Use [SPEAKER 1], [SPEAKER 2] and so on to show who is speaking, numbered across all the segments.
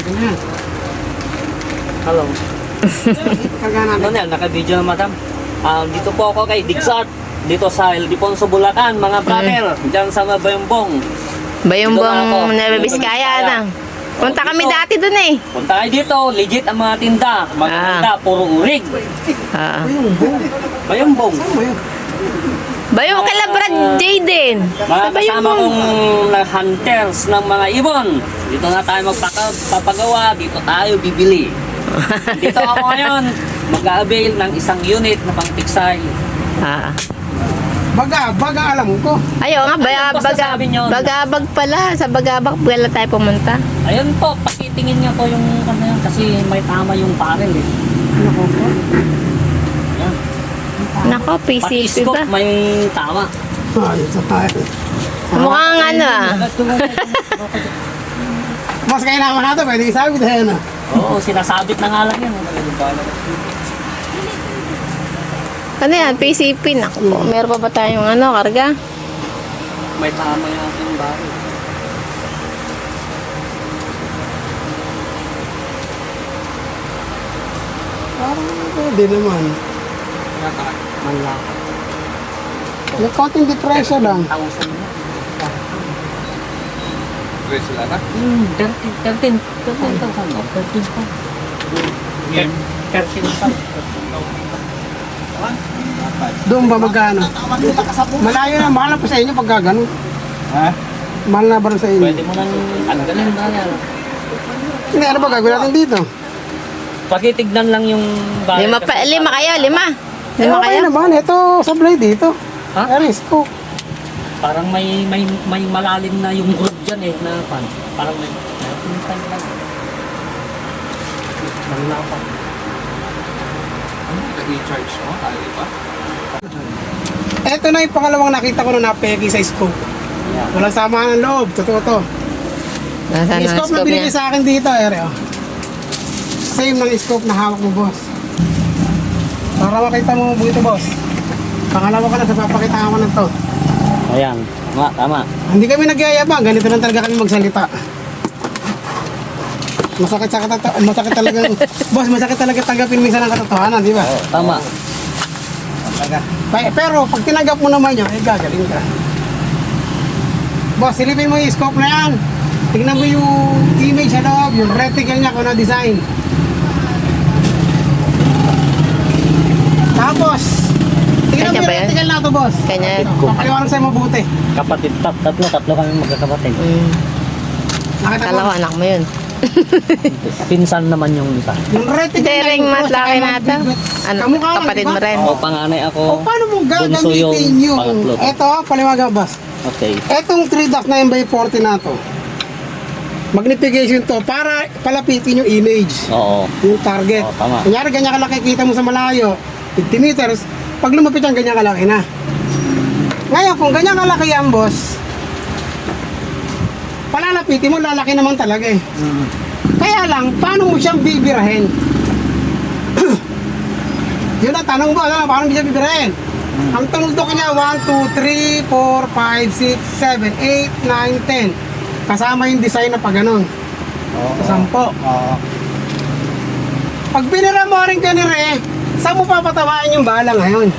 [SPEAKER 1] Hello. Ano na, naka-video na madam. Dito po ako kay Dixart. Dito sa Ildefonso, Bulacan, mga brother. Diyan sa Bayumbong.
[SPEAKER 2] Bayumbong Nueva Vizcaya na. Punta kami dati dun eh.
[SPEAKER 1] Punta kayo dito, legit ang mga tinda. Mga tinda, puro urig. Bayumbong.
[SPEAKER 2] Bayong kay Brad Jaden.
[SPEAKER 1] Mga kasama kong hunters ng mga ibon. Dito na tayo magpapagawa, dito tayo bibili. Dito ako ngayon, mag-a-avail ng isang unit na pang-tiksay.
[SPEAKER 3] Baga alam ko.
[SPEAKER 2] Ayaw nga, bagabag pala. Sa bagabag pala tayo pumunta.
[SPEAKER 1] Ayun po, pakitingin niya po yung ano yan, kasi may tama yung parel eh.
[SPEAKER 3] Nako po.
[SPEAKER 1] Yan.
[SPEAKER 2] Nako, PCP
[SPEAKER 1] Pag-iskop,
[SPEAKER 2] ba?
[SPEAKER 1] may tama.
[SPEAKER 3] Ayun sa tayo.
[SPEAKER 2] Mukhang ano ah.
[SPEAKER 3] Mas kailangan natin, pwede isabit na yan.
[SPEAKER 1] Oo, sinasabit na nga lang yan.
[SPEAKER 2] Ano yan? PCP. Nako po. Meron pa ba tayong ano, karga?
[SPEAKER 1] May tama yung ating baril.
[SPEAKER 3] Parang pwede naman.
[SPEAKER 1] Manlaka.
[SPEAKER 3] May konting depression lang.
[SPEAKER 1] 1,000 na.
[SPEAKER 4] Tres sila na?
[SPEAKER 1] 13,000 no? 13 pa. 13 pa.
[SPEAKER 3] Doon ba magkano? Malayo na, mahal na pa sa inyo pag gano'n.
[SPEAKER 4] Ha?
[SPEAKER 3] Mahal na ba rin sa inyo?
[SPEAKER 1] Pwede mo nang ganun na yan.
[SPEAKER 3] Hindi, ano ba gagawin natin dito?
[SPEAKER 1] Pakitignan lang yung baril.
[SPEAKER 2] Lima kayo, lima. Lima
[SPEAKER 3] Okay
[SPEAKER 2] kayo.
[SPEAKER 3] naman, ito sablay dito.
[SPEAKER 1] Ha?
[SPEAKER 3] Aris ko.
[SPEAKER 1] Parang may malalim na yung group dyan eh na pan. Parang may pinsan lang. Manlapa.
[SPEAKER 4] Nag-recharge mo? Kali pa?
[SPEAKER 3] Ito na yung pangalawang nakita ko na napeki sa scope. Walang samahan ng loob, totoo to.
[SPEAKER 2] Nasaan
[SPEAKER 3] Yung
[SPEAKER 2] ang
[SPEAKER 3] scope na
[SPEAKER 2] scope
[SPEAKER 3] binigay
[SPEAKER 2] niya?
[SPEAKER 3] sa akin dito, ere, oh. Same ng scope na hawak mo, boss. Para makita mo buto, boss. Pangalawa ka na, sa papakita ko na to.
[SPEAKER 1] Ayan, tama.
[SPEAKER 3] Hindi kami nagyayabang, ganito lang talaga kami magsalita. Masakit talaga. Boss, masakit talaga tanggapin minsan ang katotohanan, di ba?
[SPEAKER 1] Oo, tama.
[SPEAKER 3] Pero pag tinanggap mo naman yun, gagaling ka. Boss, silipin mo yung scope na yan. Tingnan mo yung image sa loob, yung reticle niya kung ano design. Tapos, tingnan mo
[SPEAKER 2] Kanya
[SPEAKER 3] yung
[SPEAKER 2] ba yan?
[SPEAKER 3] reticle na to, boss.
[SPEAKER 2] Kanya.
[SPEAKER 3] Papaliwanag sa'yo mabuti.
[SPEAKER 1] Kapatid, tatlo kami magkakapatid.
[SPEAKER 3] Nakita
[SPEAKER 2] Kala ko
[SPEAKER 3] mo?
[SPEAKER 2] anak mo yun.
[SPEAKER 1] Pinsan naman yung isa.
[SPEAKER 3] Yung reticle
[SPEAKER 2] Dering
[SPEAKER 3] yung
[SPEAKER 2] mat
[SPEAKER 3] cross,
[SPEAKER 2] laki
[SPEAKER 3] saka
[SPEAKER 2] na ito.
[SPEAKER 3] yung
[SPEAKER 2] Ano,
[SPEAKER 3] kamukha lang,
[SPEAKER 2] kapatid
[SPEAKER 3] di ba?
[SPEAKER 2] mo rin.
[SPEAKER 1] O, panganay ako.
[SPEAKER 3] O paano mo
[SPEAKER 1] Bunso yung
[SPEAKER 3] gagamitin yung...
[SPEAKER 1] pangatlo.
[SPEAKER 3] Eto, paliwagan, boss.
[SPEAKER 1] Okay.
[SPEAKER 3] Etong 3.9x40 na to, magnification to para palapitin yung image,
[SPEAKER 1] Oo.
[SPEAKER 3] yung target.
[SPEAKER 1] Oo, tama.
[SPEAKER 3] Kunyari, ganyan kalaki kita mo sa malayo, 50 meters, pag lumapit yan, ganyan kalaki na. Ngayon, kung ganyan kalaki yan, boss, palalapitin mo, lalaki naman talaga eh. Kaya lang, paano mo siyang bibirahin? Yun ang tanong mo, ano, paano mo siya bibirahin? Ang tuldok niya, 1, 2, 3, 4, 5, 6, 7, 8, 9, 10. Kasama yung design na pa ganun. Sampo. Pag binira mo rin ka ni Re, saan mo papatamaan yung bala ngayon?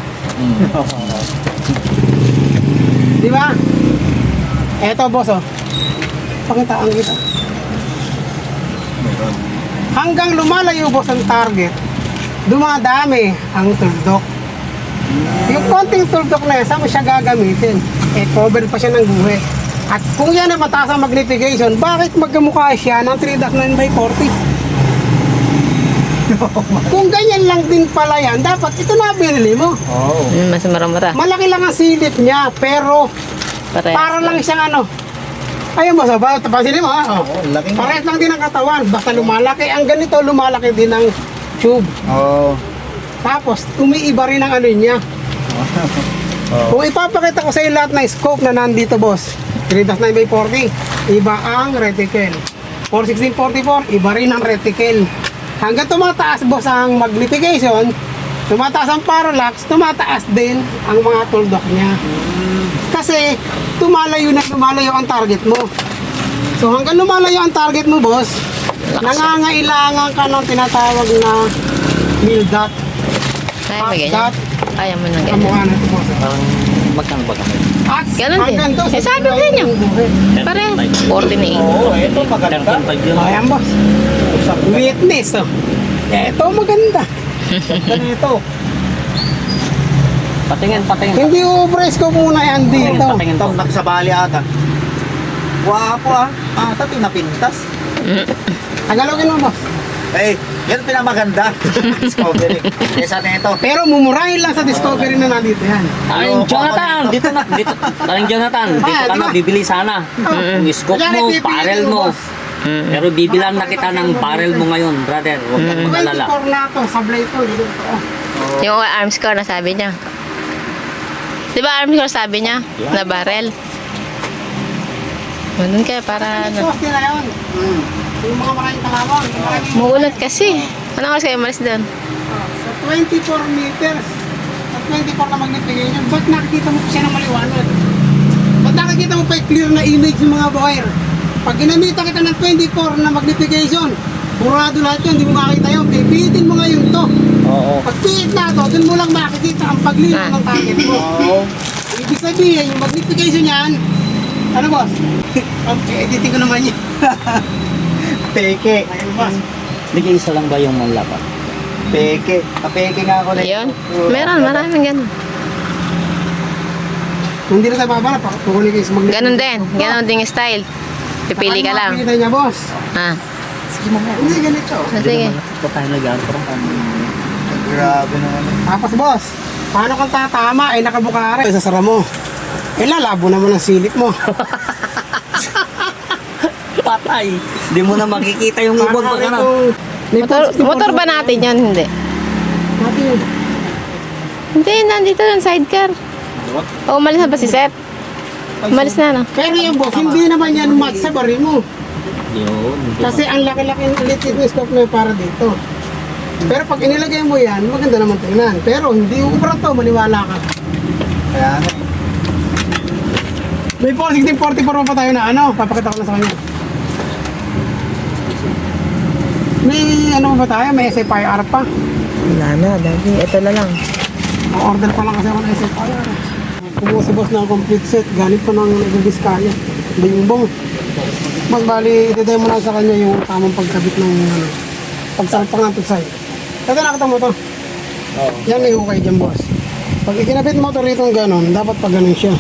[SPEAKER 3] Di ba? Eto, boss, oh. Pakitaan kita. Hanggang lumalayo, boss, ang target, dumadami ang tuldok. Yung konting tuldok na yan, saan mo siya gagamitin? Eh, cover pa siya ng guhe. At kung yan ay mataas ang magnification, bakit magkamukha siya ng 3.9x40? Kung ganyan lang din pala yan, dapat ito na binili mo.
[SPEAKER 2] Mas mara-mara.
[SPEAKER 3] Malaki lang ang silip niya, pero para lang siyang ano. Ayun mo, sa ba? Tapasinin mo, ha? Oh. Parehas lang din ang katawan. Basta lumalaki. Ang ganito, lumalaki din ang tube. Tapos, umiiba rin ang ano niya. Kung ipapakita ko sa iyo lahat ng scope na nandito, boss, 3.9x40, iba ang reticle. 41644, iba rin ang reticle. Hanggang tumataas, boss, ang magnification, tumataas ang parallax, tumataas din ang mga tuldok niya. Kasi, lumalayo ang target mo. So, hanggang lumalayo ang target mo, boss, Nangangailangan ka ng tinatawag na meal dot.
[SPEAKER 2] Kaya mo ganyan. Kaya mo nang ganyan.
[SPEAKER 3] Kamukha na ito boss.
[SPEAKER 1] Parang magkano ba kami?
[SPEAKER 3] At
[SPEAKER 2] Ganun din.
[SPEAKER 3] hanggang doon,
[SPEAKER 2] Eh, sabi ko sa inyo. Pare, 48.
[SPEAKER 4] Oo, ito maganda.
[SPEAKER 1] 13.5 yun.
[SPEAKER 3] Ayan boss. Witness oh. Ito maganda.
[SPEAKER 4] Ganito.
[SPEAKER 1] Patingin.
[SPEAKER 3] Hindi ubres ko muna yan dito.
[SPEAKER 1] Patingin to.
[SPEAKER 4] Itong nagsabali ata. Wapo ah. Ata pinapintas.
[SPEAKER 3] Tagalogin mo boss.
[SPEAKER 4] Eh, yan pinamaganda. Discovery. Kesa na ito.
[SPEAKER 3] Pero mumurahin lang sa discovery na nandito yan.
[SPEAKER 1] Aling Jonathan, dito. Aling Jonathan, dito
[SPEAKER 3] Ah,
[SPEAKER 1] ka
[SPEAKER 3] diba?
[SPEAKER 1] na bibili sana. Yung scoop
[SPEAKER 3] Kunyari,
[SPEAKER 1] mo,
[SPEAKER 3] pipiliin
[SPEAKER 1] barrel
[SPEAKER 3] mo,
[SPEAKER 1] mo.
[SPEAKER 3] boss.
[SPEAKER 1] Pero bibilan na kita ng barrel mo ngayon, brother. Huwag kang mag-alala.
[SPEAKER 3] 24 na ito, sablay ito. Dito.
[SPEAKER 2] Yung arms core na sabi niya. Di ba arms core sabi niya? Na barrel. Ganun kaya para ano.
[SPEAKER 3] Poste na yun. Yung mga maraming kalawang.
[SPEAKER 2] Muulat kasi. Ano kasi kayo malis doon?
[SPEAKER 3] Sa 24 meters. Sa 24 na magnification. Ba't nakikita mo siya ng maliwanag? Ba't nakikita mo pa yung clear na image ng mga buyer? Pag ginamita kita ng 24 na magnification, burado lahat yun, hindi mo makakita yun. Pipitin mo ngayon to.
[SPEAKER 1] Oo.
[SPEAKER 3] Pag pihit na to, dun mo lang makikita ang paglino ng target mo. Ibig sabihin, yung magnification yan, ano boss? Editing ko naman yun.
[SPEAKER 4] Peke.
[SPEAKER 3] Ayun boss.
[SPEAKER 1] Bigay isa lang ba yung manlapat?
[SPEAKER 4] Peke. Kapeke nga ako na
[SPEAKER 2] Ayun. Meron, maraming ganun.
[SPEAKER 3] Hindi na tayo babala, kukunin kayo sa magnification.
[SPEAKER 2] Ganun din. Ganun din yung style. Pipili ka lang.
[SPEAKER 3] Makikita niya boss.
[SPEAKER 2] Ha.
[SPEAKER 3] Hindi ganito.
[SPEAKER 2] Sige.
[SPEAKER 1] Ito tayo nag-aantro.
[SPEAKER 4] Grabe naman.
[SPEAKER 3] Tapos boss, paano kang tatama ay nakabukare? Isasara mo. Eh lalabo naman ang silip mo.
[SPEAKER 1] Patay. Hindi mo na makikita yung ubod pag ano.
[SPEAKER 2] Motor ba natin yan? Hindi.
[SPEAKER 3] Natin.
[SPEAKER 2] Hindi, nandito yung sidecar. O, umalis na ba si Seth? Umalis na, no?
[SPEAKER 3] Pero yung boss, hindi naman yan match sa bari mo.
[SPEAKER 1] Yun.
[SPEAKER 3] Kasi ang laki-laki ng litid na scope na yun para dito. Pero pag inilagay mo yan, maganda naman tingnan. Pero hindi ubra to, maniwala ka.
[SPEAKER 4] Kaya nga.
[SPEAKER 3] May 1644 pa tayo na ano, papakita ko na sa kanya. May ano pa tayo, may SFIR pa.
[SPEAKER 2] Wala na, dati. Ito na lang.
[SPEAKER 3] Order pa lang kasi ako ng SFIR. Kumuha si boss ng complete set, galing pa ng Biskaya. Bimbong. Mas bali, iti-demo lang sa kanya yung tamang pagkabit ng ano, pagsalpak ng tuksay. Ito nakita mo to.
[SPEAKER 1] Oo.
[SPEAKER 3] Yan may hukay dyan boss. Pag ikinabit mo to rito ng ganon, dapat pag ganon siya.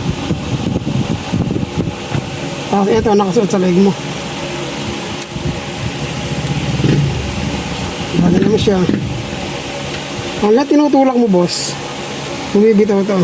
[SPEAKER 3] Tapos ito, nakasuot sa leg mo. Bagay naman siya. Ang lahat tinutulak mo boss, bumibitaw ito.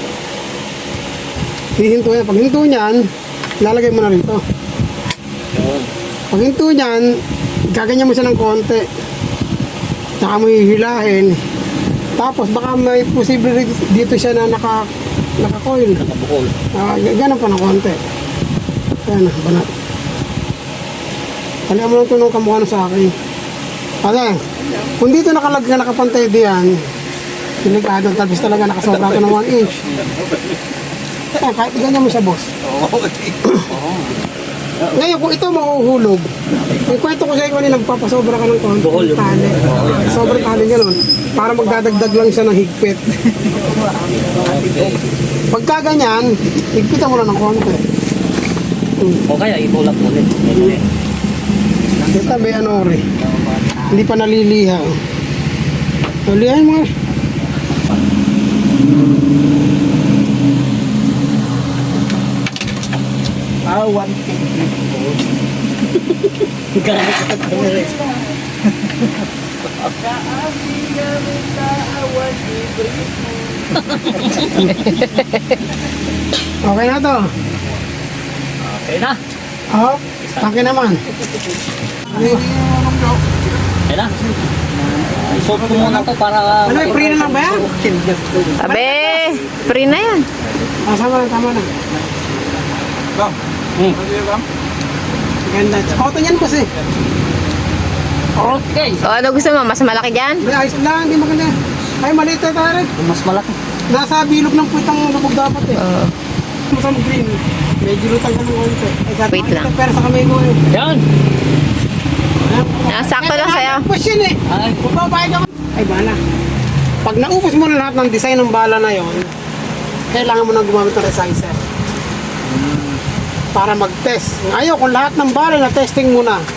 [SPEAKER 3] Hihinto yan. Pag hinto niyan, lalagay mo na rito. Pag hinto niyan, gaganyan mo siya ng konti. Tsaka mo hihilahin. Tapos baka may posible dito siya na naka-coil.
[SPEAKER 1] Nakabukol.
[SPEAKER 3] Ganun pa ng konti. Ayan, banat. Kalihan mo lang ito nung kamukha na sa akin. Kasi, kung dito nakapantay diyan, delikado, tapos talaga nakasobra ito ng 1 inch. Ayan, kahit ganyan mo siya, boss. Ngayon, kung ito mahuhulog, yung kwento ko sa'yo kanina, magpapasobra ka ng konti.
[SPEAKER 1] Buhol yung-
[SPEAKER 3] Tali. Sobrang tali ganun. Para magdadagdag lang siya ng higpit. Pagka ganyan, higpitan mo lang ng konti.
[SPEAKER 1] O kaya itulak mo ulit.
[SPEAKER 3] Ito may ano rin. Hindi pa naliliha. Nalihan mo.
[SPEAKER 4] Ah, 1K.
[SPEAKER 3] Okay na to.
[SPEAKER 1] Okay na.
[SPEAKER 3] Oh, taki naman.
[SPEAKER 1] Okay na. Isot ko muna to para...
[SPEAKER 3] Ano, may free na lang ba yan?
[SPEAKER 2] Abe, free na yan.
[SPEAKER 3] Sama na, tama na. Ganda. Cotton yan kasi.
[SPEAKER 1] Okay.
[SPEAKER 2] O, ano gusto mo? Mas malaki dyan?
[SPEAKER 3] May ayos lang, hindi maganda. Ay, maliit na tayo.
[SPEAKER 1] Mas malaki.
[SPEAKER 3] Nasa bilog ng puwitang lubog dapat eh.
[SPEAKER 2] Oo.
[SPEAKER 3] Masama green. Medyo lutang ka ng konti. Ay, sabi
[SPEAKER 2] Wait
[SPEAKER 3] ko,
[SPEAKER 2] lang.
[SPEAKER 3] Pero sa kamay ko eh.
[SPEAKER 1] Yan.
[SPEAKER 2] Sakto lang sa'yo.
[SPEAKER 3] Push yun eh.
[SPEAKER 1] Ay,
[SPEAKER 3] Kung babayad ka, ay bala. Pag naubos mo na lahat ng design ng bala na yon, kailangan mo nang gumamit ng resizer. Para mag-test. Ngayon, kung lahat ng bala na testing mo na,